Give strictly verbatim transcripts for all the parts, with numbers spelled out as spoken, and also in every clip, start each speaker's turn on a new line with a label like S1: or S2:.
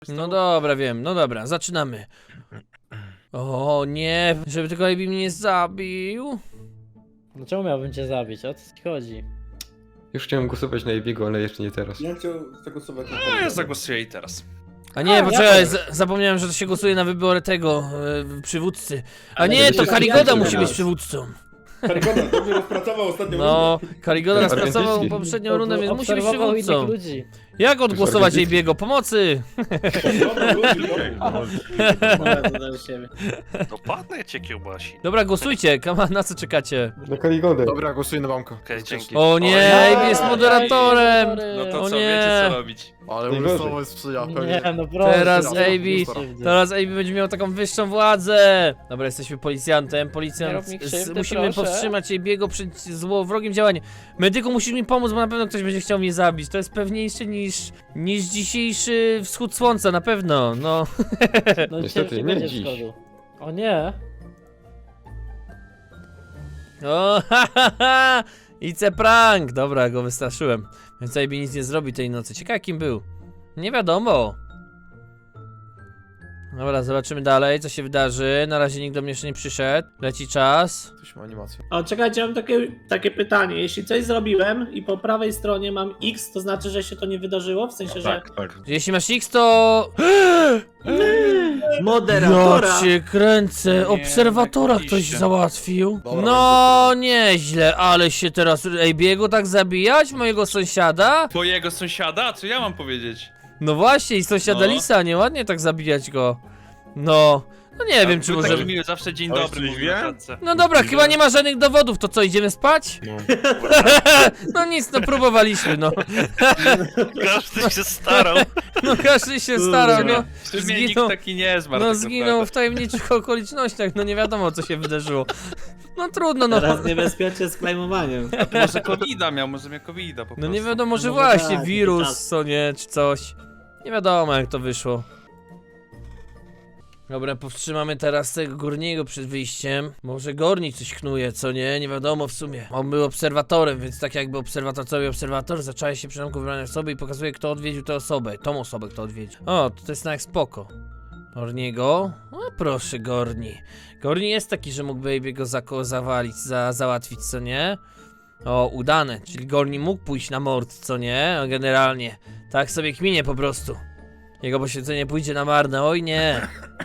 S1: No dobra, wiem, no dobra, zaczynamy. O nie, żeby tylko Ebi mnie nie zabił.
S2: No czemu miałbym cię zabić? O co ci chodzi?
S3: Już chciałem głosować na Ebiego, ale jeszcze nie teraz.
S4: Ja chciał zagłosować na
S5: No ja zagłosuję i teraz.
S1: A nie,
S2: A,
S1: poczekaj,
S2: ja
S1: z- zapomniałem, że to się głosuje na wybory tego, e, przywódcy. A
S2: Ale
S1: nie, to
S4: będziesz
S1: Karigoda
S4: pijany
S1: musi
S4: teraz.
S1: być przywódcą.
S4: Karygoda dobrze rozpracował ostatnią
S1: No, Karigoda
S3: Tak,
S1: rozpracował
S3: organicznie.
S1: poprzednią rundę, więc musi być
S2: Obserwował innych
S1: przywódcą.
S2: ludzi.
S1: Jak odgłosować
S3: organicznie.
S1: Ebiego? Pomocy!
S2: Do siebie.
S5: No padnę cię kiełbasi.
S1: Dobra, głosujcie, kama, na co czekacie?
S3: Na Karigodę.
S6: Dobra, głosuję na banko.
S5: Okej, dzięki.
S1: O nie,
S5: Oj,
S1: Ebi jest
S5: oj,
S1: moderatorem!
S5: No to
S1: O
S5: co,
S1: nie.
S5: wiecie co robić.
S6: Ale
S3: Najgorzej.
S6: umysłowo sprzyja.
S2: Nie, no proszę.
S1: Teraz
S2: no,
S1: Ebi,
S2: krzywdy.
S1: teraz Ebi będzie miał taką wyższą władzę. Dobra, jesteśmy policjantem,
S2: Nie
S1: policjant,
S2: rób mi
S1: z-
S2: krzywdy,
S1: musimy
S2: proszę.
S1: powstrzymać Ebiego przed złowrogim działaniem. Medyku, musisz mi pomóc, bo na pewno ktoś będzie chciał mnie zabić. To jest pewniejsze niż, niż dzisiejszy wschód słońca, na pewno, no.
S2: No
S3: Niestety,
S2: dzisiaj
S3: nie
S2: będzie
S3: dziś.
S2: wschodu. O nie.
S1: O, ha, ha, ha. Ice prank! Dobra, go wystraszyłem. Więc Ebi nic nie zrobi tej nocy. Ciekawe kim był. Nie wiadomo. Dobra, zobaczymy dalej, co się wydarzy. Na razie nikt do mnie jeszcze nie przyszedł. Leci czas.
S6: Coś ma animację.
S7: O, czekajcie, mam takie, takie pytanie. Jeśli coś zrobiłem i po prawej stronie mam X, to znaczy, że się to nie wydarzyło? W sensie, że
S5: tak.
S1: Jeśli masz X, to...
S7: moderatora.
S1: Ja cię kręcę.
S5: Nie,
S1: Obserwatora
S5: tak
S1: ktoś
S5: iście.
S1: załatwił.
S6: Dobra,
S1: No, nieźle, ale się teraz Ebiego tak zabijać? Mojego sąsiada?
S5: Twojego sąsiada? Co ja mam powiedzieć?
S1: No właśnie, i sąsiada
S5: No.
S1: Lisa, nieładnie tak zabijać go. No, no nie wiem, czy
S5: Był
S1: może...
S5: taki miły, zawsze dzień
S8: Oj,
S5: dobry
S8: coś
S5: mówił
S8: wie?
S5: na klatce.
S1: No dobra, chyba nie ma żadnych dowodów, to co, idziemy spać?
S8: No.
S1: No nic, no próbowaliśmy, no.
S5: Każdy się starał.
S1: No każdy się starał, no.
S5: W sumie
S1: Zginął,
S5: nikt taki nie zmarł.
S1: no
S5: tak
S1: zginął
S5: naprawdę.
S1: w tajemniczych okolicznościach, no nie wiadomo co się wydarzyło. No trudno, no.
S7: Teraz niebezpiecznie z klejmowaniem.
S5: Może kowida miał, może miał kowida po prostu.
S1: No nie wiadomo, może
S7: No
S1: właśnie
S7: tak,
S1: wirus,
S7: czas.
S1: co nie, czy coś. Nie wiadomo jak to wyszło. Dobra, powstrzymamy teraz tego Gorniego przed wyjściem. Może Gorni coś knuje, co nie? Nie wiadomo w sumie. On był obserwatorem, więc tak jakby obserwator co robi obserwator, zaczęła się przynajmniej wybrania osoby i pokazuje kto odwiedził tę osobę. Tą osobę kto odwiedził. O, to jest tak spoko. Gorniego? O proszę Gorni. Gorni jest taki, że mógłby Ebiego zako zawalić, za załatwić, co nie? O, udane, czyli Gorni mógł pójść na mord, co nie? No, generalnie. Tak sobie kminie po prostu. Jego poświęcenie pójdzie na marne, oj nie.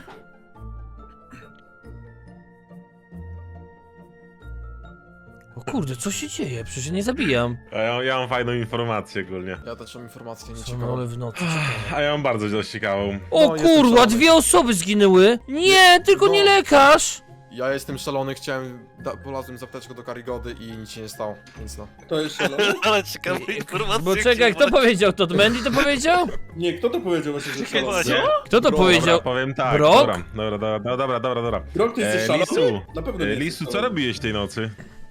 S1: O kurde, co się dzieje? Przecież ja nie zabijam.
S8: A ja, ja mam fajną informację ogólnie.
S6: Ja też mam informację, nie
S1: Co
S6: ciekawą.
S1: ale w nocy, ciekawe.
S8: A ja mam bardzo dość ciekawą.
S1: O
S6: No, jestem
S1: kurwa,
S6: szalony.
S1: dwie osoby zginęły! Nie, tylko
S6: No.
S1: nie lekarz!
S6: Ja jestem szalony, chciałem... Da, polazłem z apteczką do Karigody i nic się nie stało, więc no.
S4: To jest szalone?
S5: Ale ciekawe informacje.
S1: Bo czekaj, kto powiedział to? Mandy to powiedział?
S4: Nie, kto to powiedział właśnie, że
S5: Czekaj,
S4: szalony?
S5: co?
S1: Kto to
S4: Bro,
S1: powiedział?
S8: Dobra, powiem tak.
S1: Brok?
S8: Dobra, dobra, dobra, dobra, dobra, dobra.
S4: Grok, ty jesteś
S8: E,
S4: szalony?
S8: Lisu,
S4: Na pewno nie
S8: e,
S4: jesteś
S8: Lisu, co
S4: szalony.
S8: robiłeś tej nocy?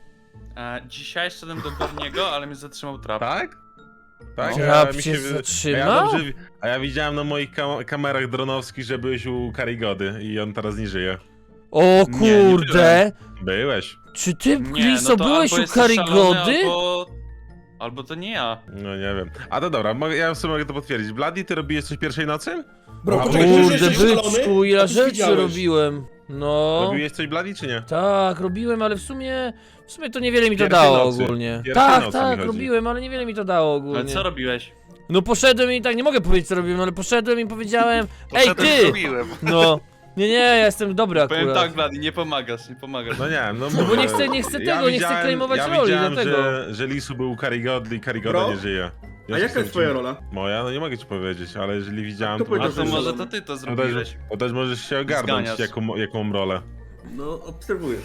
S5: E, dzisiaj szedłem do Gorniego, ale mnie zatrzymał trap.
S8: Tak? Tak?
S1: Trap
S8: mi
S1: cię
S8: wy-
S1: zatrzymał?
S8: A ja, dobrze, wi- a ja widziałem na moich kam kamerach dronowskich, że byłeś u Karigody i on teraz nie żyje.
S1: O
S5: nie
S1: kurde!
S8: Byłeś.
S1: Czy ty,
S5: Nie,
S1: Liso,
S5: no to
S1: byłeś
S5: albo
S1: u
S5: jesteś szalony,
S1: Karigody?
S5: Albo... albo to nie ja.
S8: No nie wiem. A to dobra, mogę, ja w sumie mogę to potwierdzić. Bloody, ty robiłeś coś pierwszej nocy?
S4: Bro,
S8: A,
S4: poczekaj, ty
S1: Kurde,
S4: jesteś szalony?
S1: byczku,
S4: A
S1: ja
S4: ty
S1: rzeczy
S4: widziałeś.
S1: robiłem. No.
S8: Robiłeś coś Bloody, czy nie?
S1: Tak, robiłem, ale w sumie... W sumie to niewiele mi to
S8: Pierwszej
S1: dało
S8: nocy.
S1: ogólnie.
S8: Pierwszej
S1: Tak,
S8: nocy mi
S1: tak,
S8: chodzi.
S1: robiłem, ale niewiele mi to dało ogólnie.
S5: Ale co robiłeś?
S1: No poszedłem i tak, nie mogę powiedzieć co robiłem, ale poszedłem i powiedziałem: ej ty!
S5: Zrobiłem.
S1: No. Nie, nie, ja jestem dobry
S5: Powiem
S1: akurat.
S5: tak, Blady, nie pomagasz, nie pomagasz.
S8: No nie wiem, no,
S1: No bo
S8: mówię,
S1: nie chcę- nie chcę tego, nie chcę claimować
S8: ja
S1: roli,
S8: widziałem,
S1: dlatego.
S8: Że, że Lisu był u Karigody i Karigoda
S4: Bro?
S8: nie żyje.
S4: A jaka jest twoja rola?
S8: Moja? No nie mogę ci powiedzieć, ale jeżeli widziałem,
S4: Kto
S8: to,
S4: powiedział,
S5: A to
S4: że
S5: może
S4: szalony?
S5: to ty to
S8: to, też,
S5: zrobiłeś.
S8: to też możesz się ogarnąć,
S5: Zganiasz.
S8: jaką, jaką rolę.
S4: No, obserwuję.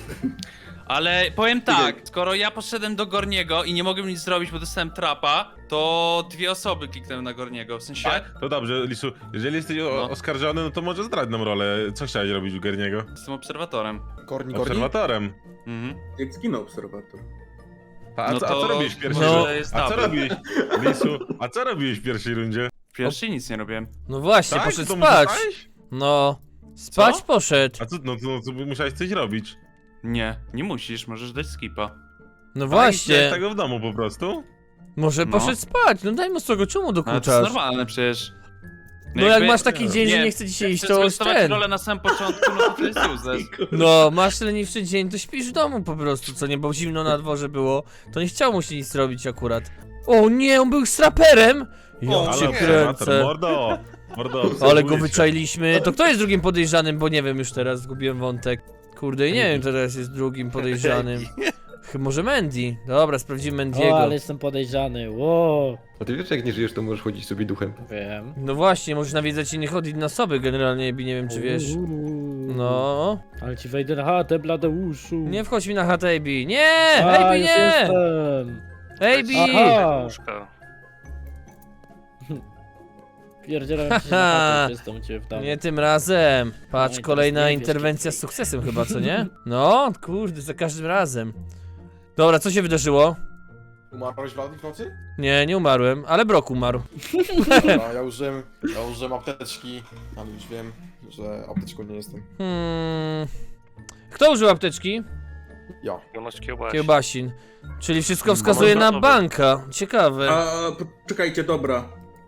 S5: Ale powiem tak, skoro ja poszedłem do Gorniego i nie mogłem nic zrobić, bo dostałem trapa, to dwie osoby kliknęły na Gorniego, w sensie...
S8: Tak? To dobrze, Lisu, jeżeli jesteś o,
S5: No.
S8: oskarżony, no to może zdradź nam rolę. Co chciałeś robić u Gerniego?
S5: Jestem obserwatorem.
S6: Gorni, Gorni?
S8: Obserwatorem.
S5: Mhm.
S4: Jak zginął obserwator.
S8: A, a,
S5: No
S8: co, a
S5: to
S8: co robiłeś w pierwszej
S1: może
S8: rundzie?
S5: jest
S8: A co
S5: dobry.
S8: robiłeś, Lisu, a co robiłeś w pierwszej rundzie?
S5: W pierwszej nic nie robiłem.
S1: No właśnie,
S8: Tak?
S1: poszedł
S8: To
S1: spać.
S8: musiałeś?
S1: No. Spać
S5: Co?
S1: poszedł.
S8: A co, no, to, no, to musiałeś coś robić.
S5: Nie, nie musisz, możesz dać skipa.
S1: No
S8: A
S1: właśnie.
S8: chciałeś tego w domu po prostu?
S1: Może
S5: No.
S1: poszedł spać. No daj mu z tego, czemu
S5: Ale to jest
S1: dokuczasz?
S5: normalne przecież.
S1: No jak
S5: jakby-
S1: masz taki dzień, że
S5: nie,
S1: nie chce ci się
S5: jak
S1: iść,
S5: chcesz
S1: to już
S5: zgostować
S1: ten.
S5: rolę na samym początku, no to to jest useless.
S1: No, masz leniwszy dzień, to śpisz w domu po prostu, co nie, bo zimno na dworze było. To nie chciał mu się nic robić akurat. O nie, on był straperem! Ja
S4: O,
S1: cię
S8: Ale obserwator,
S1: kręcę.
S8: mordo! Mordo,
S1: Ale go
S8: obserwuję cię.
S1: wyczailiśmy. To kto jest drugim podejrzanym, bo nie wiem już teraz, zgubiłem wątek. Kurde, i nie wiem, kto teraz jest drugim podejrzanym. Ch- Może Mandy? Dobra, sprawdzimy
S2: O,
S1: Mandiego.
S2: ale jestem podejrzany. Wow.
S3: A ty wiesz, że jak nie żyjesz, to możesz chodzić sobie duchem.
S2: Wiem.
S1: No właśnie, możesz nawiedzać innych od inne osoby generalnie, nie wiem czy wiesz.
S2: Uuu.
S1: No.
S2: Ale ci wejdę na chatę, Bladeuszu.
S1: Nie wchodź mi na chatę, A B. Nie!
S2: A,
S1: A B
S2: już
S1: nie!
S2: jestem.
S1: A B!
S2: Aha.
S9: Łóżka.
S2: Pierdzielam ci się na chatę, jestem u ciebie w domu.
S1: Nie tym razem. Patrz,
S2: No i
S1: kolejna
S2: teraz nie wiesz,
S1: interwencja z
S2: kiedy-
S1: sukcesem chyba, co nie? No, kurde, za każdym razem. Dobra, co się wydarzyło?
S6: Umarłeś Wladimir w nocy?
S1: Nie, nie umarłem, ale Brok umarł.
S6: Dobra, ja użyłem, ja użyłem apteczki, ale już wiem, że apteczką nie jestem.
S1: Hmm. Kto użył apteczki?
S6: Ja.
S9: Jonoś kiełbasi.
S1: Kiełbasin. Czyli wszystko wskazuje na
S9: Dobra.
S1: banka. Ciekawe.
S4: A, poczekajcie, dobra.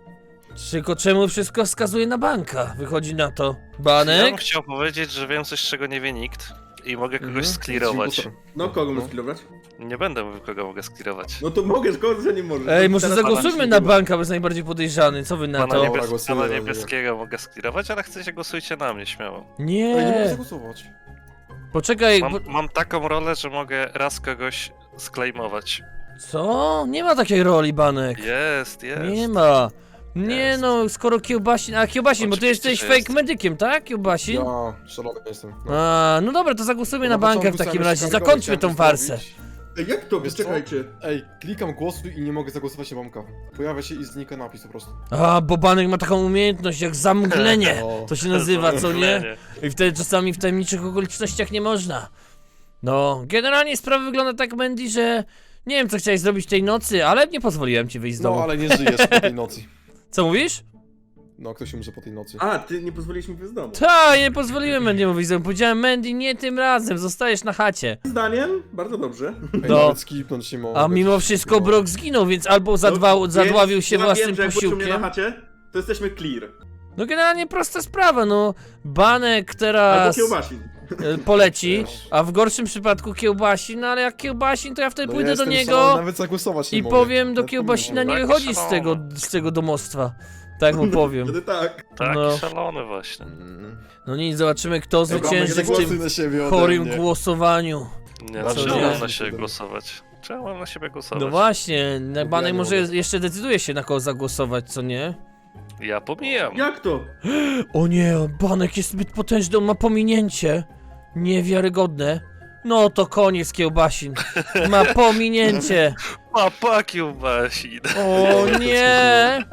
S1: Tylko czemu wszystko wskazuje na banka? Wychodzi na to.
S9: Ja bym
S1: Banek?
S9: chciał powiedzieć, że wiem coś, czego nie wie nikt i mogę kogoś
S1: Mhm.
S9: sklirować.
S4: No, kogo my sklirować?
S9: Nie będę mówił, kogo mogę sklirować.
S4: No to mogę, skoro że nie możesz.
S1: Ej,
S4: To
S1: może
S4: teraz
S1: zagłosujmy
S4: pana
S1: na
S4: nie
S1: banka, bo jest najbardziej podejrzany. Co wy na
S9: Pana,
S1: to?
S6: Dobra,
S9: niebies...
S6: głosuję,
S9: Pana
S6: ja
S9: niebieskiego mogę sklirować, ale chcecie głosujcie na mnie śmiało.
S6: Ej, nie mogę
S1: Nie.
S6: zagłosować.
S1: Poczekaj.
S9: Mam,
S1: Bo...
S9: mam taką rolę, że mogę raz kogoś sklejmować.
S1: Co? Nie ma takiej roli, Banek.
S9: Jest, jest.
S1: Nie ma. Nie
S9: Jest.
S1: no, skoro Kiełbasin... A Kiełbasin, bo ty
S9: Oczywiście,
S1: jesteś
S9: że
S1: fake
S9: jest.
S1: medykiem, tak? Kiełbasin?
S6: Ja szalony jestem. No.
S1: A, no dobra, to zagłosujmy na banka w
S6: początku
S1: takim
S6: chciałem
S1: razie.
S6: jeszcze
S1: Zakończmy tą
S6: chciałem
S1: farsę.
S6: zrobić.
S4: Ej, jak to?
S6: Wiesz co?
S4: Czekajcie.
S6: Ej, klikam głosuj i nie mogę zagłosować na banka. Pojawia się i znika napis po prostu.
S1: A, bo Banek ma taką umiejętność jak zamglenie.
S6: O.
S1: To się nazywa, co nie?
S9: Zamglenie.
S1: I wtedy czasami w tajemniczych okolicznościach nie można. No, generalnie sprawa wygląda tak, Mandy, że nie wiem, co chciałeś zrobić tej nocy, ale nie pozwoliłem ci wyjść z domu.
S6: No, ale nie żyjesz po tej nocy.
S1: Co mówisz?
S6: No, ktoś umrze po tej nocy.
S4: A, ty nie pozwoliliśmy wyjść z domu.
S1: Ta, nie pozwoliłem Mandy'emu wyjść z domu. Powiedziałem, Mandy, nie tym razem, zostajesz na chacie.
S4: Zdaniem? Bardzo dobrze.
S6: Ej,
S1: No.
S6: nawet skipnąć nie mogę.
S1: A mimo wszystko Brok zginął, więc albo zadwał,
S4: No,
S1: zadławił
S4: więc
S1: się
S4: ja
S1: własnym
S4: wiem, że jak wrócił mnie na
S1: posiłkiem.
S4: chacie, to jesteśmy clear.
S1: No generalnie prosta sprawa, no. Banek
S4: Albo
S1: teraz
S4: kiełbasin.
S1: e, poleci,
S6: Wiesz.
S1: a w gorszym przypadku Kiełbasin, no ale jak Kiełbasin, to ja wtedy
S6: No,
S1: pójdę
S6: ja
S1: do
S6: jestem
S1: niego
S6: szalony, nawet zagłosować nie
S1: i
S6: mogę.
S1: powiem do
S6: Nawet
S1: Kiełbasina, nie
S9: Tak,
S1: wychodzi z
S9: szalone.
S1: tego, z tego domostwa. Tak mu powiem.
S4: Wtedy tak.
S9: Tak,
S1: No.
S9: szalony właśnie.
S6: Mm.
S1: No nic, zobaczymy kto
S6: Dobra,
S1: zwycięży w
S6: zagłosuj
S1: tym
S6: na siebie ode
S1: chorym
S6: mnie.
S1: głosowaniu.
S9: Nie,
S6: Dobrze,
S9: no
S1: nie.
S9: czemu mam na
S6: Dobra.
S9: siebie głosować? Czemu mam na siebie głosować?
S1: No właśnie, na- Banek
S6: nie
S1: może
S6: mogę.
S1: jeszcze decyduje się na kogo zagłosować, co nie?
S9: Ja pomijam.
S4: Jak to?
S1: O nie, Banek jest zbyt potężny, on ma pominięcie. Niewiarygodne. No to koniec Kiełbasin. Ma pominięcie.
S9: Papa kiełbasi.
S1: O nie!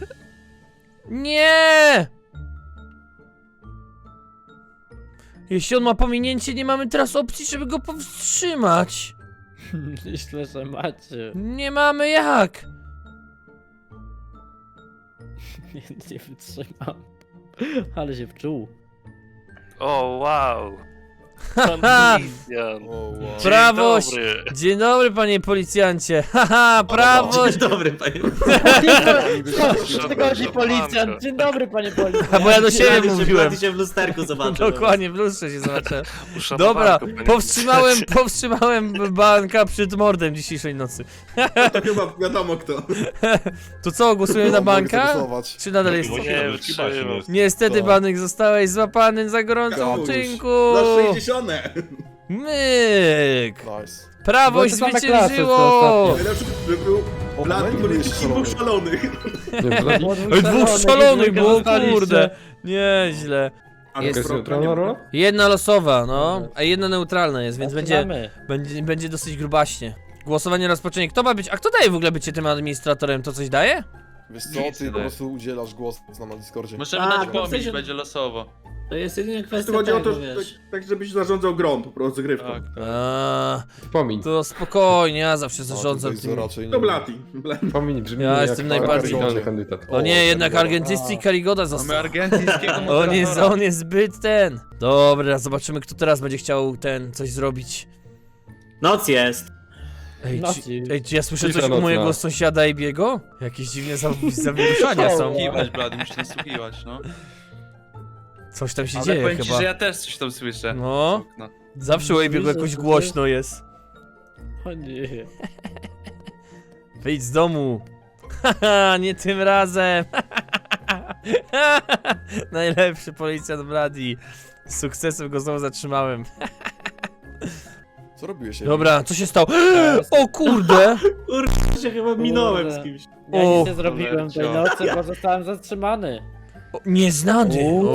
S1: Nie! Jeśli on ma pominięcie, nie mamy teraz opcji, żeby go powstrzymać.
S2: Myślę, że macie.
S1: Nie mamy jak.
S2: Nie, nie wytrzymam. Ale się wczuł.
S9: O, wow.
S1: Haha!
S9: Pan policjant.
S6: O, wow.
S9: Dzień
S1: Prawość.
S9: dobry.
S1: Dzień dobry, panie policjancie. Haha, prawość.
S7: dobry, panie.
S2: Przychodzi policjant. Dzień dobry, panie policjant.
S1: A bo ja do siebie mówiłem.
S7: się w lusterku zobaczył.
S1: Dokładnie, w lustrze się zobaczę.
S9: Uszanowanko,
S1: Dobra,
S9: panie
S1: powstrzymałem,
S9: policjancie.
S1: powstrzymałem banka przed mordem dzisiejszej nocy.
S4: To chyba wiadomo kto.
S1: To co, głosujemy na
S6: No, mogę
S1: banka?
S6: zagłosować.
S1: Czy nadal jest?
S8: Bo
S9: Nie,
S8: nie,
S9: wytrzymam.
S8: Kiełbasin jest.
S1: Niestety,
S6: To-
S1: Banek, zostałeś złapany za gorącym
S4: Kałuż.
S1: uczynku.
S4: Za sześćdziesiąte.
S1: Myk!
S6: Nice.
S1: Prawość
S2: Bo to same
S1: zwyciężyło!
S2: klasy,
S4: Najlepszy, że był
S6: O,
S4: Blady
S6: Mandy
S4: polityki
S6: był
S4: dwóch
S6: szalony.
S4: szalonych.
S3: Nie, Bladi?
S1: Oj, dwóch szalonych było, kurde! Nieźle.
S4: Ale
S1: Jest
S4: Broka
S3: neutralna
S4: nie ma.
S3: rola?
S1: Jedna losowa, no, a jedna neutralna jest, więc będzie,
S2: Zaczynamy.
S1: będzie, będzie dosyć grubaśnie. Głosowanie rozpocznie. Kto ma być? A kto daje w ogóle bycie tym administratorem? To coś daje?
S6: Wiesz co,
S5: Nic
S6: ty
S5: nie
S6: po
S5: daje.
S6: prostu udzielasz głos nam na Discordzie.
S5: Możemy
S7: A,
S5: dać
S7: to w
S5: pobić,
S7: sensie-
S5: będzie losowo.
S7: To jest jedynie kwestia
S4: To chodzi o to,
S7: tego,
S4: że
S7: wiesz.
S4: tak, tak żebyś zarządzał grą, po prostu grywką.
S5: Tak.
S1: A,
S3: Pomin.
S1: to spokojnie, ja zawsze
S6: A,
S1: zarządzam
S6: tutaj
S1: tym.
S6: raczej nie
S4: To
S6: wiem.
S4: Blati. Bla-
S3: Pomin brzmi
S1: Ja
S3: jak
S1: jestem najbardziej-
S3: idealny kandydat.
S1: O nie, jednak
S6: Karigoda.
S1: argentyński Karigoda
S5: Mamy
S1: został.
S5: argentyńskiego
S1: On jest,
S5: moderatora.
S1: on jest zbyt ten. Dobra, zobaczymy kto teraz będzie chciał ten, coś zrobić.
S7: Noc jest.
S1: Ej,
S2: No
S1: czy,
S2: ci-
S1: ej, czy ja słyszę
S3: Cisza
S1: coś u
S3: nocna.
S1: mojego sąsiada Ebiego? Jakieś dziwne za- zawiruszania są.
S5: Nasłuchiwać, Blady, musisz nasłuchiwać, no.
S1: Coś tam się
S5: Ale
S1: dzieje
S5: powiem ci,
S1: chyba.
S5: że ja też coś tam słyszę.
S1: No,
S5: No.
S1: zawsze u Ebiego jakoś głośno jest.
S2: O nie.
S1: Wyjdź z domu. Haha, nie tym razem. Najlepszy policjant Brady. Z sukcesem go znowu zatrzymałem.
S6: Co robiłeś?
S1: Dobra, co się stało? O kurde!
S7: Kurde, się chyba minąłem
S2: Kurde.
S7: z kimś.
S2: Ja
S1: O,
S2: nic nie zrobiłem tej nocy, bo zostałem zatrzymany.
S1: O, nieznany!
S2: Uuu.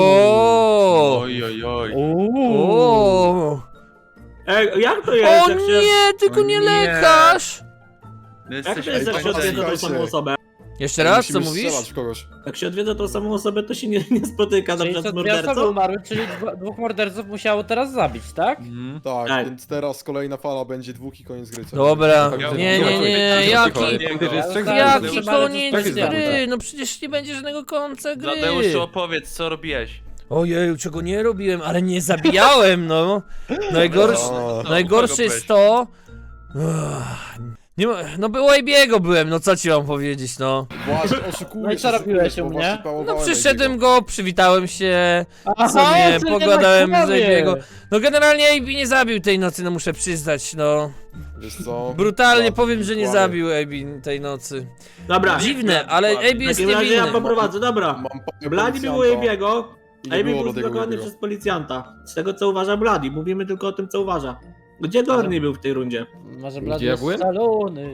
S1: O!
S5: Oj, oj, oj.
S2: Uuu.
S1: O!
S7: Ej, jak to jest?
S1: O
S7: jak się,
S1: nie, tylko
S5: O
S1: nie
S5: nie.
S1: lekarz!
S5: My
S7: jak
S5: jesteśmy
S7: to jest, jak się
S5: poświęceni.
S7: odwiedza tą
S6: Słuchajcie.
S7: samą osobę?
S1: Jeszcze raz, co
S6: Musimy
S1: mówisz?
S6: strzelać w kogoś.
S7: Jak się odwiedza tą samą osobę, to się nie, nie spotyka na
S2: Czyli
S7: przykład
S2: to
S7: z
S2: dwie osoby
S7: mordercą?
S2: umarły, czyli dwa, dwóch morderców musiało teraz zabić, tak?
S5: Mhm.
S6: Tak,
S7: Tak.
S6: więc teraz kolejna fala będzie dwóch i koniec gry. co?
S1: Dobra,
S5: Ja-
S1: nie, nie, nie, jaki,
S3: Pamiętaj, że jest trzech
S2: Ja-
S1: jaki
S2: Zatrzymany
S1: koniec
S3: został.
S1: gry? No przecież nie będzie żadnego końca gry.
S5: Bladeuszu, opowiedz, co robiesz.
S1: Ojeju, czego nie robiłem, ale nie zabijałem, no. Najgorsze,
S6: A,
S5: No,
S1: najgorsze
S5: kogo
S1: jest to... Uff, nie, ma- no było Ebiego byłem, no co ci mam powiedzieć, no.
S6: Właśnie, oszukujesz.
S2: No i co robiłeś u
S6: bo
S2: mnie?
S6: właśnie
S1: No
S6: pałowałem
S1: przyszedłem
S6: Ebiego.
S1: go, przywitałem się,
S2: Aha,
S1: sobie
S2: czyli
S1: pogadałem
S2: jednak
S1: z
S2: kłamie.
S1: Ebiego. No generalnie Ebi nie zabił tej nocy, no muszę przyznać, no.
S6: Wiesz co?
S1: Brutalnie
S6: Kłamie,
S1: powiem, że nie
S6: kłamie.
S1: zabił Ebi tej nocy.
S7: Dobra,
S1: Dziwne, ale Ebi
S7: w
S1: jest
S7: takim razie ja
S1: niewinny.
S7: poprowadzę, dobra.
S6: Mam panią
S7: Blady był u
S6: policjanta
S7: Ebiego,
S6: i nie
S7: Ebi
S6: było
S7: był
S6: do tego
S7: zblokowany
S6: Ebiego.
S7: przez policjanta. Z tego co uważa Blady, mówimy tylko o tym co uważa. Gdzie Gorny był w tej rundzie?
S2: Może
S3: Gdzie
S2: Blady
S3: ja
S2: jest
S3: byłem?
S2: szalony.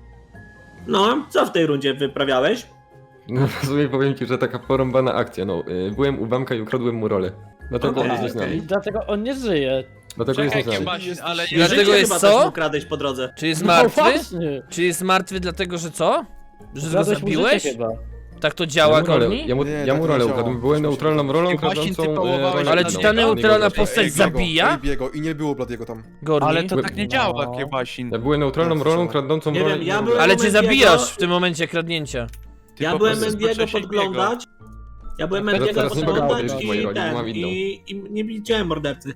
S7: No, co w tej rundzie wyprawiałeś?
S3: No w sumie powiem ci, że taka porąbana akcja, no. y, Byłem u Bamka i ukradłem mu rolę. Dlatego
S7: Okej,
S3: on jest
S7: okej.
S2: I
S3: nieznany.
S2: dlatego on nie żyje.
S3: Dlatego jest
S5: Czekaj,
S3: nieznany.
S5: Kiebasin, ale
S6: Jesteś-
S1: Dlatego
S7: Życie
S1: jest
S7: chyba
S1: co?
S7: też mu kradłeś po drodze.
S1: Czy jest
S2: No
S1: martwy?
S2: właśnie.
S1: Czy jest martwy dlatego, że co? Że go
S2: Ukradłeś mu
S1: zabiłeś?
S2: życie chyba.
S1: Tak to działa,
S3: ja mu rolę,
S1: Gorni?
S3: ja mu,
S6: Nie,
S3: ja
S6: tak
S3: mu
S6: nie
S3: rolę
S6: działa.
S3: ukradłem. Byłem neutralną rolą
S5: Kiebasin, ty
S3: kradącą...
S5: pałowałeś
S3: rolę
S1: Ale
S5: na
S1: czy
S5: niego.
S1: ta
S3: innego.
S1: neutralna
S3: Innego.
S1: postać
S6: Ebiego,
S1: zabija?
S6: Ebiego i nie było Bladiego tam.
S1: Gorni?
S5: Ale to tak nie
S2: No.
S5: działa, Kiebasin.
S3: Ja byłem neutralną rolą kradącą
S7: Nie
S3: rolę
S7: wiem, ja
S3: innego.
S7: byłem-
S1: Ale czy
S7: Mendiego-
S1: zabijasz w tym momencie kradnięcia?
S5: Ty
S7: Ja
S5: po
S7: byłem
S5: prostu
S7: Mendiego
S5: skoczyłeś
S7: podglądać. Ja byłem
S2: No
S3: teraz
S7: Mendiego
S3: nie mogę
S7: podglądać
S3: podejrzeć mojej
S7: i
S3: roli, bo
S7: ten,
S3: mam inną.
S7: i, i nie widziałem mordercy.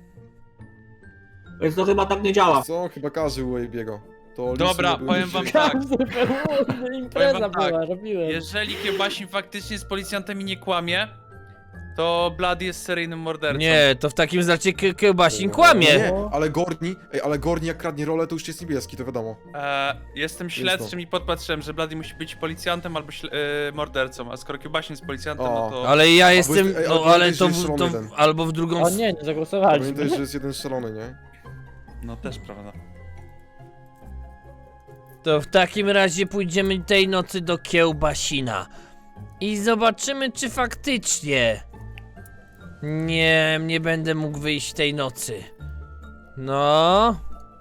S7: Więc to chyba tak nie działa.
S6: Co? Chyba każdy u Ebiego. To listy
S5: Dobra,
S6: nie były
S5: powiem
S6: niżej.
S5: wam tak.
S2: Każdy był, impreza
S5: Powiem wam tak,
S2: była, robiłem.
S5: Jeżeli Kiebasin faktycznie z policjantem i nie kłamie, to Blady jest seryjnym mordercą.
S1: Nie, to w takim znaczy Kie- Kiełbasin kłamie.
S6: Nie, ale Gorni, ej, ale Gorni jak kradnie rolę, to już jest niebieski, to wiadomo.
S5: E, jestem śledczym i podpatrzyłem, że Blady musi być policjantem albo śle- e, mordercą, a skoro Kiebasin jest policjantem,
S6: O.
S5: no to...
S1: Ale ja jestem,
S6: ej, ale
S1: no ale
S6: pamiętaj,
S1: to,
S6: że jest
S1: w- to
S6: szalony
S1: w-
S6: jeden.
S1: albo w drugą
S2: O
S1: s-
S2: nie, nie zagłosowaliśmy.
S6: Pamiętaj, że jest jeden szalony, nie?
S5: No też prawda.
S1: To w takim razie pójdziemy tej nocy do Kiełbasina. I zobaczymy, czy faktycznie... Nie, nie będę mógł wyjść tej nocy. No...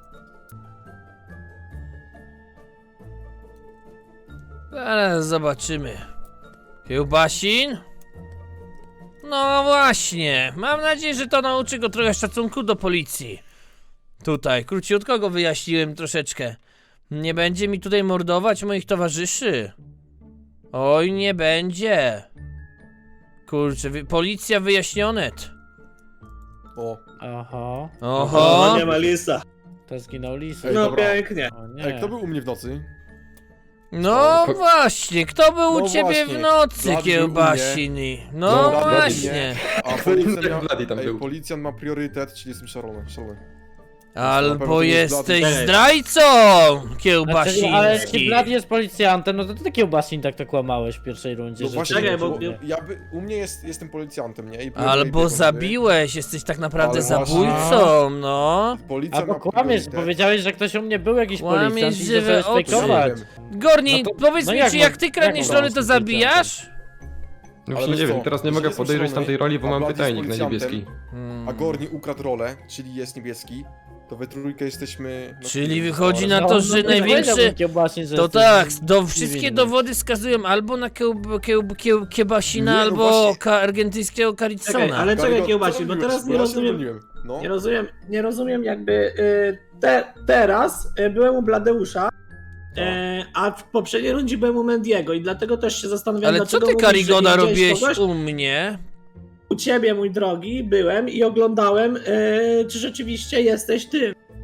S1: Zaraz zobaczymy. Kiełbasin? No właśnie, mam nadzieję, że to nauczy go trochę szacunku do policji. Tutaj, króciutko go wyjaśniłem troszeczkę. Nie będzie mi tutaj mordować moich towarzyszy. Oj, nie będzie. Kurczę, wy, policja wyjaśnionet.
S6: O,
S2: Aha,
S1: Oho.
S7: No, nie ma lisa.
S2: to zginął lis.
S6: Ej,
S7: No
S6: dobra.
S7: pięknie.
S2: O nie.
S6: ej, kto był u mnie w nocy?
S1: No
S3: Po-
S1: właśnie, kto był u
S6: No
S1: ciebie
S6: właśnie,
S1: w nocy,
S6: Blady był u
S1: Kiełbasini? No
S6: No, Blady
S1: właśnie.
S6: A
S3: Jak
S6: policjant, miał,
S3: Blady tam
S6: ej,
S3: był.
S6: policjant ma priorytet, czyli jestem szalony. szalony. Na
S1: Albo
S6: pewno to jest
S1: jesteś
S7: Blady.
S1: zdrajcą,
S2: Znaczy, ale jeśli
S1: Kiełbasiński.
S2: Blady jest policjantem, no to ty Kiełbasin tak to kłamałeś w pierwszej rundzie.
S6: No
S2: że
S6: właśnie,
S2: ty
S7: Czekaj,
S2: nie
S7: bo-
S2: było.
S6: ja by, u mnie jest, jestem policjantem, nie? I byłem
S1: Albo
S6: Ebiego, nie?
S1: zabiłeś, jesteś tak naprawdę
S6: Ale właśnie-
S1: zabójcą, no.
S6: Policjant
S2: Albo
S6: ma
S2: kłamiesz,
S6: priorytet.
S2: powiedziałeś, że ktoś u mnie był jakiś
S1: Kłamiesz
S2: policjant i
S1: żywe
S2: zacząłeś
S1: oczy.
S2: fejkować.
S1: Gorni,
S2: No to-
S1: powiedz
S2: no
S1: mi,
S2: jak
S1: czy
S2: mam-
S1: jak ty kradniesz
S2: jak
S1: rolę,
S2: mam
S1: to
S2: z
S1: zabijasz?
S3: No
S6: Ale
S3: właśnie nie
S6: wiesz
S3: wiem,
S6: co,
S3: teraz nie
S6: jeżeli
S3: mogę
S6: jestem
S3: podejrzeć
S6: szalony,
S3: tamtej roli, bo
S6: a
S3: mam
S6: Blady jest
S3: pytajnik na
S6: policjantem,
S3: niebieski.
S6: A Gorni ukradł rolę, czyli jest niebieski, to we trójkę jesteśmy... no,
S1: Czyli
S6: no,
S1: wychodzi
S6: no,
S1: na to,
S2: No,
S1: że
S2: no, to
S1: największy-
S2: powiedziałbym Kiełbasin, że
S1: To
S2: jesteś
S1: tak, do, wszystkie
S2: niewinny.
S1: dowody wskazują albo na kiełb, kiełb, kiełb, Kiebasina,
S6: Nie, no
S1: albo
S6: właśnie.
S1: ka, argentyńskiego
S7: Czekaj,
S1: Caricona.
S7: ale czekaj
S6: Karygo,
S7: Kiełbasin,
S6: co
S7: bo
S6: robiłeś?
S7: teraz nie
S6: ja się
S7: rozumiem,
S6: broniłem. No.
S7: nie rozumiem, nie rozumiem jakby y, te, teraz y, byłem u Bladeusza,
S6: Tak.
S7: y, a w poprzedniej rundzie byłem u Mendiego i dlatego też się zastanawiam,
S1: Ale co
S7: dlaczego
S1: ty,
S7: mówisz, że
S1: Karigoda,
S7: nie widziałeś
S1: robiłeś
S7: kogoś?
S1: u mnie?
S7: U ciebie, mój drogi, byłem i oglądałem, y, czy rzeczywiście jesteś ty.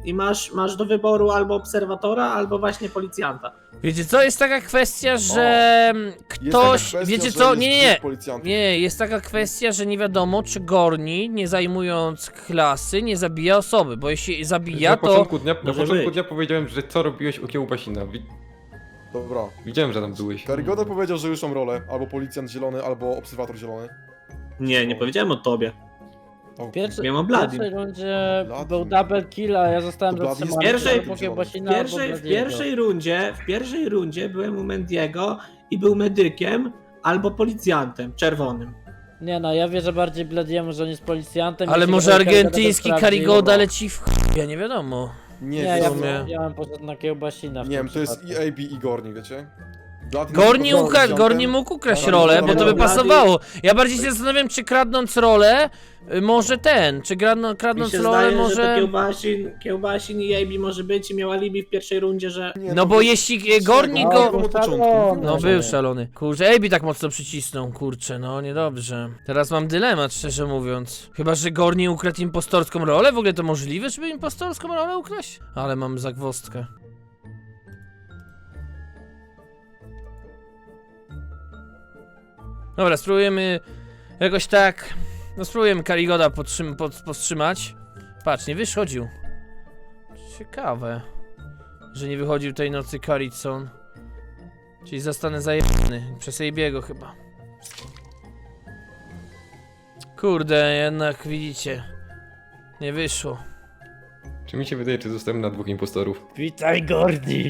S7: i masz, masz do wyboru albo obserwatora, albo właśnie policjanta.
S1: Wiecie co, jest taka kwestia, że
S6: Jest taka
S1: ktoś,
S6: kwestia,
S1: wiecie
S6: że
S1: co,
S6: jest
S1: nie, nie, nie,
S6: dwóch policjantów.
S1: nie, jest taka kwestia, że nie wiadomo, czy Gorni, nie zajmując klasy, nie zabija osoby, bo jeśli zabija,
S3: Na
S1: to...
S3: początku dnia, na
S7: może
S3: początku
S7: być.
S3: dnia powiedziałem, że co robiłeś u Kiełbasina. Wi
S6: Dobra.
S3: widziałem, że tam byłeś.
S6: Karygoda powiedział, że już mam rolę. Albo policjant zielony, albo obserwator zielony.
S7: Nie, nie powiedziałem o tobie.
S6: O,
S2: Pierwszy,
S7: Wiem o
S2: w
S7: Bladim.
S2: pierwszej rundzie
S6: Bladim.
S2: był double kill, a ja zostałem
S6: To Blady jest
S2: zatrzymany
S7: pierwszej-
S2: albo Kiełbasina,
S7: W
S2: albo
S7: pierwszej, w
S2: Bladiego.
S7: pierwszej rundzie, w pierwszej rundzie byłem u Mendiego i był medykiem albo policjantem czerwonym.
S2: Nie no, ja wierzę bardziej Bladiemu, że on jest policjantem.
S1: Ale
S2: jeśli
S1: może
S2: Karigoda to
S1: argentyński
S2: sprawdzi.
S1: Karigoda leci w ch... ja nie wiadomo.
S6: Nie,
S2: Nie,
S6: wiesz
S2: ja,
S6: co?
S1: sumie.
S2: ja bym poszedł na Kiełbasina w
S6: Nie
S2: tym
S6: wiem, to jest
S2: przypadku.
S6: i A B i Gorni, wiecie? Blady
S1: Gorni,
S6: jest
S1: ukra-
S6: policjantem.
S1: Gorni mógł ukraść
S6: Ale
S1: rolę,
S6: no,
S1: bo to
S6: no,
S1: by
S7: Blady-
S1: pasowało. Ja bardziej się zastanawiam, czy kradnąc rolę, y, może ten, czy kradną,
S7: Mi
S1: kradnąc
S7: się
S1: rolę,
S7: zdaje, że to
S1: może...
S7: Kiełbasin, Kiełbasin i A B może być i miał alibi w pierwszej rundzie, że...
S6: Nie,
S1: No bo jeśli y, Gorni
S2: No,
S1: go...
S2: był
S6: od początku.
S2: szalony.
S1: No był szalony. Kurczę, Ejbi tak mocno przycisnął, kurczę, no niedobrze. Teraz mam dylemat, szczerze mówiąc. Chyba, że Gorni ukradł impostorską rolę? W ogóle to możliwe, żeby impostorską rolę ukraść? Ale mam zagwozdkę. Dobra, spróbujemy jakoś tak... No spróbujemy Karigoda podtrzym- pod, powstrzymać. Patrz, nie wychodził. Ciekawe, że nie wychodził tej nocy Karicon. Czyli zostanę zajebany przez Ejbiego chyba. Kurde, jednak widzicie. Nie wyszło.
S3: Czy mi się wydaje, czy zostałem na dwóch impostorów?
S2: Witaj Gordi!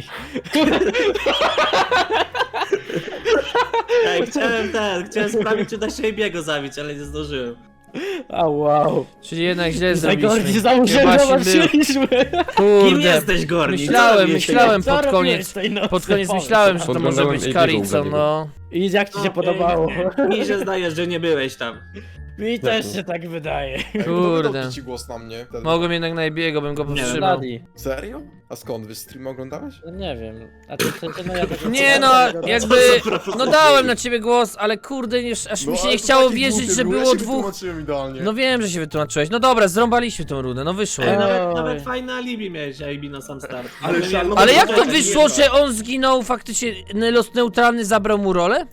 S7: Ej, chciałem ten, chciałem sprawdzić, czy da się Ejbiego zabić, ale nie zdążyłem.
S2: A wow!
S1: Czyli jednak źle
S2: Witaj Gordi,
S1: zrobiliśmy.
S2: założyłem,
S1: Kiełbasin był.
S2: zobaczyliśmy!
S7: Kim
S1: Kurde.
S7: jesteś, Gorni?
S1: Myślałem, myślałem
S2: Co
S1: pod
S2: robiłeś
S1: koniec.
S2: tej nocy?
S1: Pod koniec
S2: Powiedz.
S1: myślałem, że to może
S3: Podglądałem
S1: być
S3: Ejbiego u
S1: Karicon,
S3: Bladiego.
S1: no.
S2: I jak ci się
S7: Okej.
S2: podobało?
S7: Mi się zdaje, że nie byłeś tam.
S2: Mi też się tak wydaje.
S6: Ej, kto
S1: Kurde.
S6: wydał ci głos na mnie wtedy?
S1: Mogłem jednak na Ejbiego, bym go
S7: Nie wiem,
S1: powstrzymał.
S2: Bladi.
S6: Serio? A skąd? Wy stream oglądałeś?
S2: No nie wiem. A ty w sensie, no ja tego
S1: Nie no, jakby... No dałem na ciebie głos, ale kurde, już, aż mi się
S6: ale
S1: nie
S6: to
S1: chciało
S6: taki
S1: wierzyć,
S6: głupie
S1: że
S6: było, ja
S1: było
S6: się
S1: dwóch...
S6: wytłumaczyłem idealnie.
S1: No wiem, że się wytłumaczyłeś. No dobra, zrąbaliśmy tą runę, no wyszło.
S7: Ej,
S2: Oj.
S7: nawet, nawet fajne alibi miałeś, A B na sam start.
S4: Ale
S7: Mogłem-
S4: szalony-
S7: mogłem
S1: Ale jak to
S7: poczekać,
S1: wyszło,
S7: nie
S1: że on zginął faktycznie, los neutralny zabrał mu rolę?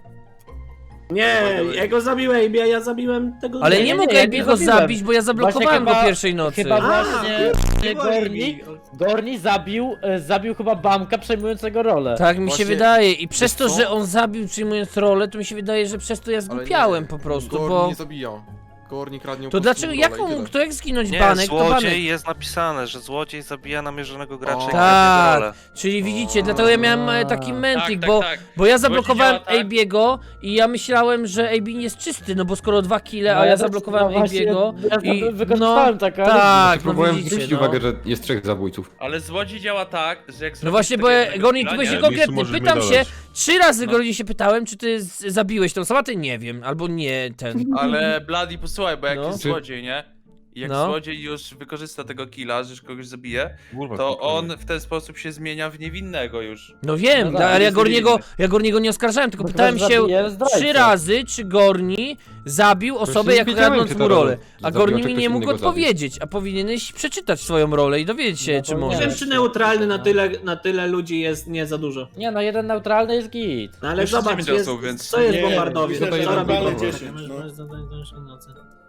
S7: Nie, ja go zabiłem A B, a ja zabiłem tego...
S1: Ale
S2: Nie,
S1: nie,
S2: nie,
S1: mogę
S2: ja
S1: Ejbiego
S2: nie zabiłem.
S1: zabić, bo ja zablokowałem
S2: Właśnie
S1: go
S2: chyba-
S1: pierwszej nocy.
S2: Chyba
S7: A,
S2: właśnie
S7: nie było
S2: Gorni,
S7: A B.
S2: Gorni zabił, e, zabił chyba Bamka przejmującego rolę.
S1: Tak mi się
S6: Właśnie-
S1: wydaje i przez to,
S6: wiesz co?
S1: że on zabił przyjmując rolę, to mi się wydaje, że przez to ja
S6: Ale
S1: zgłupiałem
S6: nie,
S1: po prostu,
S6: Gorni
S1: bo...
S6: nie zabija. Gorni kradnie
S1: To
S6: po prostu
S1: dlaczego, jak
S6: rolę i
S1: on,
S6: tyle.
S1: kto jak zginąć
S9: Nie,
S1: banek, to banek.
S9: złodziej jest napisane, że złodziej zabija namierzonego gracza
S6: O.
S9: i
S1: Tak.
S9: kradnie rolę.
S1: Czyli widzicie, dlatego ja miałem e, taki
S2: Tak,
S1: mentik,
S5: tak,
S1: bo,
S5: tak.
S1: bo ja zablokowałem
S5: działa tak.
S1: Ejbiego i ja myślałem, że Ejbi nie jest czysty, no bo skoro dwa kille, a ja
S2: też-
S1: zablokowałem
S2: no właśnie,
S1: Ejbiego
S2: Ja,
S1: i
S2: ja wykorzystałem
S1: no,
S2: tak, ale...
S1: tak, no
S3: Próbowałem
S1: widzicie,
S3: zwrócić
S1: no.
S3: uwagę, że jest trzech zabójców.
S5: Ale złodziej działa tak, że jak
S1: No
S5: zrobisz
S1: właśnie, bo
S5: tego
S1: ja,
S5: jednego
S1: Gorni,
S5: killa,
S1: tu byłeś
S5: nie?
S1: niekonkretny,
S8: Mistrzu, możesz
S1: pytam
S8: mi
S1: się,
S8: dodać.
S1: trzy razy
S5: No.
S1: Gorni się pytałem, czy ty z- zabiłeś tą osobę, ty nie wiem, albo nie, ten.
S5: Ale Bloody, posłuchaj, bo jak
S1: No.
S5: jest
S3: Czy-
S5: złodziej, nie? I jak
S1: No.
S5: złodziej już wykorzysta tego killa, że już kogoś zabije,
S8: Kurwa,
S5: to
S8: spokojnie.
S5: on w ten sposób się zmienia w niewinnego już.
S1: No wiem,
S2: No tak,
S1: ale ja
S5: jest
S1: Gorniego,
S5: niewinny.
S1: ja Gorniego nie oskarżałem, tylko
S2: Bo
S1: pytałem
S2: teraz
S1: się
S2: zabije zdrajcę.
S1: trzy razy, czy Gorni zabił osobę,
S3: nie
S1: jak
S3: wiedziałem,
S1: kradnąc
S3: czy
S1: mu
S3: ta
S1: rolę.
S3: rola
S1: A
S3: zabiła,
S1: Gorni
S3: czy
S1: mi
S3: ktoś
S1: nie mógł
S3: innego zabił.
S1: odpowiedzieć, a powinieneś przeczytać swoją rolę i dowiedzieć się,
S2: No
S1: czy
S2: to
S7: Nie
S1: może.
S7: wiem, czy neutralny na tyle, na tyle ludzi jest nie za dużo.
S2: Nie no, jeden neutralny jest git.
S7: No ale
S5: Już
S7: zobacz,
S5: dziewięć
S7: jest,
S5: osób, więc-
S7: co jest
S4: Nie,
S7: bombardowiec?
S4: myślę,
S7: Co
S4: że
S7: robi
S4: neutralny
S7: bombardowiec?
S4: dziesięć, no.